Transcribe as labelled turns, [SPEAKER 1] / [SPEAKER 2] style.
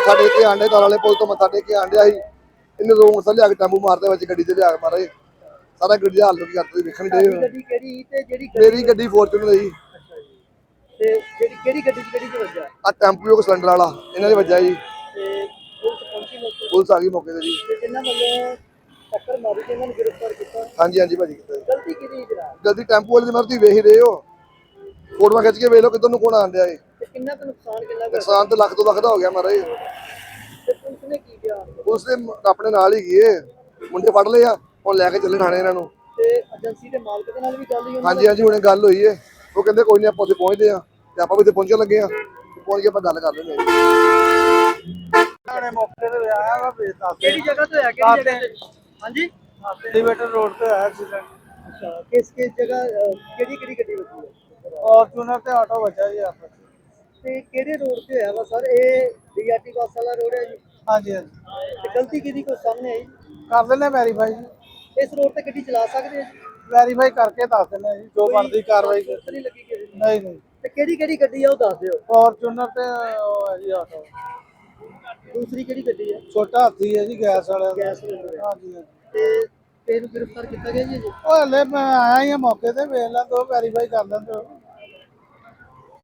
[SPEAKER 1] ਮੱਥਾ ਟੇਕ ਕੇ ਆਂਡੇ ਤਾਲ ਵਾਲੇ ਪੁਲ ਤੋਂ ਮੱਥਾ ਟੇਕ ਕੇ ਆਂਡਿਆ ਸੀ। ਇਹਨੇ ਦੋ ਮੋਟਰਸਾਈਕਲ ਲਿਆ ਕੇ ਟੈਂਪੂ ਮਾਰਦੇ ਵਿੱਚ ਗੱਡੀ ਤੇ ਲਿਆ ਕੇ ਮਾਰੇ ਸਾਰਾ ਗੱਡੀ ਦਾ ਹਾਲ ਕੀ ਕਰਦੇ ਵੇਖਣ ਦੇ।
[SPEAKER 2] ਗੱਡੀ ਕਿਹੜੀ ਤੇ ਜਿਹੜੀ
[SPEAKER 1] ਮੇਰੀ ਗੱਡੀ ਫੋਰਚੂਨਰ ਹੈ ਜੀ।
[SPEAKER 2] ਅੱਛਾ ਜੀ। ਤੇ ਜਿਹੜੀ ਕਿਹੜੀ ਗੱਡੀ ਚ ਕਿਹੜੀ ਚ ਵੱਜਾ?
[SPEAKER 1] ਆ ਟੈਂਪੂ ਸਿਲੰਡਰ ਵਾਲਾ ਇਹਨਾਂ ਦੇ ਵੱਜਾ ਜੀ।
[SPEAKER 2] ਤੇ ਪੁਲਿਸ ਪਹੁੰਚੀ ਮੌਕੇ ਤੇ?
[SPEAKER 1] ਪੁਲਿਸ ਆ ਗਈ ਮੌਕੇ ਤੇ ਜੀ।
[SPEAKER 2] ਤੇ ਜਿਨ੍ਹਾਂ ਵੱਲੋਂ ਟੱਕਰ ਮਾਰੀ ਤੇ ਇਹਨਾਂ ਨੂੰ ਗ੍ਰਿਫਤਾਰ ਕੀਤਾ?
[SPEAKER 1] ਹਾਂਜੀ ਹਾਂਜੀ ਭਾਜੀ
[SPEAKER 2] ਗਲਤੀ ਕਿਹਦੀ ਜਨਾਬ?
[SPEAKER 1] ਗਲਤੀ ਟੈਂਪੂ ਵਾਲੇ ਦੀ ਮੈਂ ਤੁਸੀਂ ਵੇਖ ਹੀ ਰਹੇ ਹੋ, ਫੋਟੋਆਂ ਖਿੱਚ ਕੇ ਵੇਖ ਲਓ ਕਿੱਧਰ ਨੂੰ ਕੌਣ ਆਣ ਡਿਆ ਏ।
[SPEAKER 2] ਤੇ ਕਿੰਨਾ ਕੁ ਨੁਕਸਾਨ ਕਿੰਨਾ ਕੁ?
[SPEAKER 1] ਨੁਕਸਾਨ ਤਾਂ ਲੱਖ ਤੋਂ ਲੱਖ ਦਾ ਹੋ ਗਿਆ ਮਾਰੇ।
[SPEAKER 2] ਤੇ ਪੁਲਿਸ ਨੇ ਕੀ ਕਿਹਾ?
[SPEAKER 1] ਪੁਲਿਸ ਨੇ ਆਪਣੇ ਨਾਲ ਹੀ ਗਏ, ਮੁੰਡੇ ਫੜ ਲਏ ਆ, ਹੁਣ ਲੈ ਕੇ ਚੱਲੇ ਥਾਣੇ ਇਹਨਾਂ ਨੂੰ।
[SPEAKER 2] ਤੇ ਏਜੰਸੀ ਦੇ ਮਾਲਕ ਦੇ ਨਾਲ ਵੀ ਗੱਲ ਹੋਈ?
[SPEAKER 1] ਹਾਂਜੀ ਹਾਂਜੀ ਹੁਣੇ ਗੱਲ ਹੋਈ ਏ, ਉਹ ਕਹਿੰਦੇ ਕੋਈ ਨਹੀਂ ਆਪਾਂ ਉੱਥੇ ਪਹੁੰਚਦੇ ਆ ਤੇ ਆਪਾਂ ਵੀ ਉੱਥੇ ਪਹੁੰਚਣ ਲੱਗੇ ਆ, ਪਹੁੰਚ ਕੇ ਆਪਾਂ ਗੱਲ ਕਰ ਲੈਂਦੇ ਆ।
[SPEAKER 3] ਮੌਕੇ ਤੇ ਆਇਆ ਵਾ ਬੇਤਾ
[SPEAKER 2] ਕਿਹੜੀ ਜਗ੍ਹਾ ਤੇ ਹੋਇਆ? ਕਿਹੜੀ ਜਗ੍ਹਾ ਤੇ? ਹਾਂਜੀ
[SPEAKER 3] ਐਲੀਵੇਟਰ ਰੋਡ ਤੇ ਆਇਆ ਐਕਸੀਡੈਂਟ।
[SPEAKER 2] ਅੱਛਾ, ਕਿਸ ਜਗ੍ਹਾ ਕਿਹੜੀ ਕਿਹੜੀ ਗੱਡੀ ਵੱਜੀ ਹੈ?
[SPEAKER 3] ਫੋਰਚੂਨਰ ਤੇ ਆਟੋ ਵੱਜਾ ਜੀ ਆਪਸ ਵਿੱਚ।
[SPEAKER 2] ਤੇ ਕਿਹੜੇ ਰੋਡ ਤੇ ਹੋਇਆ ਵਾ ਸਰ? ਇਹ ਡੀਆਰਟੀ ਬੱਸ ਵਾਲਾ ਰੋਡ ਹੈ ਜੀ?
[SPEAKER 3] ਹਾਂਜੀ ਹਾਂਜੀ
[SPEAKER 2] ਤੇ ਗਲਤੀ ਕਿਹਦੀ ਕੋਈ ਸਾਹਮਣੇ ਆਈ?
[SPEAKER 3] ਕਰ ਲੈਣੇ ਵੈਰੀਫਾਈ ਜੀ,
[SPEAKER 2] ਇਸ ਰੋਡ ਤੇ ਗੱਡੀ ਚਲਾ ਸਕਦੇ ਆ ਜੀ?
[SPEAKER 3] ਵੈਰੀਫਾਈ ਕਰਕੇ ਦੱਸ ਦਿੰਦੇ ਜੀ ਜੋ ਬਣਦੀ ਕਾਰਵਾਈ
[SPEAKER 2] ਕੋਈ ਨਹੀਂ ਲੱਗੀ ਕਿਸੇ ਦੀ?
[SPEAKER 3] ਨਹੀਂ ਨਹੀਂ
[SPEAKER 2] ਤੇ ਕਿਹੜੀ ਕਿਹੜੀ ਗੱਡੀ ਆ ਉਹ ਦੱਸ ਦਿਓ।
[SPEAKER 3] ਫੋਰਚੂਨਰ ਤੇ ਉਹ ਹੈ ਜੀ ਆਟੋ।
[SPEAKER 2] ਦੂਸਰੀ ਕਿਹੜੀ ਗੱਡੀ ਆ?
[SPEAKER 3] ਛੋਟਾ ਹਾਥੀ ਹੈ ਜੀ ਗੈਸ ਵਾਲਾ।
[SPEAKER 2] Gas cylinder.
[SPEAKER 3] ਹਾਂਜੀ ਹਾਂਜੀ।
[SPEAKER 2] ਤੇ ਇਹਨੂੰ ਗ੍ਰਿਫਤਾਰ ਕੀਤਾ ਗਿਆ ਜੀ?
[SPEAKER 3] ਉਹ ਹਲੇ ਮੈਂ ਆਇਆ ਹੀ ਆ ਮੌਕੇ ਤੇ, ਵੇਖ ਲਾਂ ਦੋ ਵੈਰੀਫਾਈ ਕਰ ਲੈਂਦੇ ਹੋ।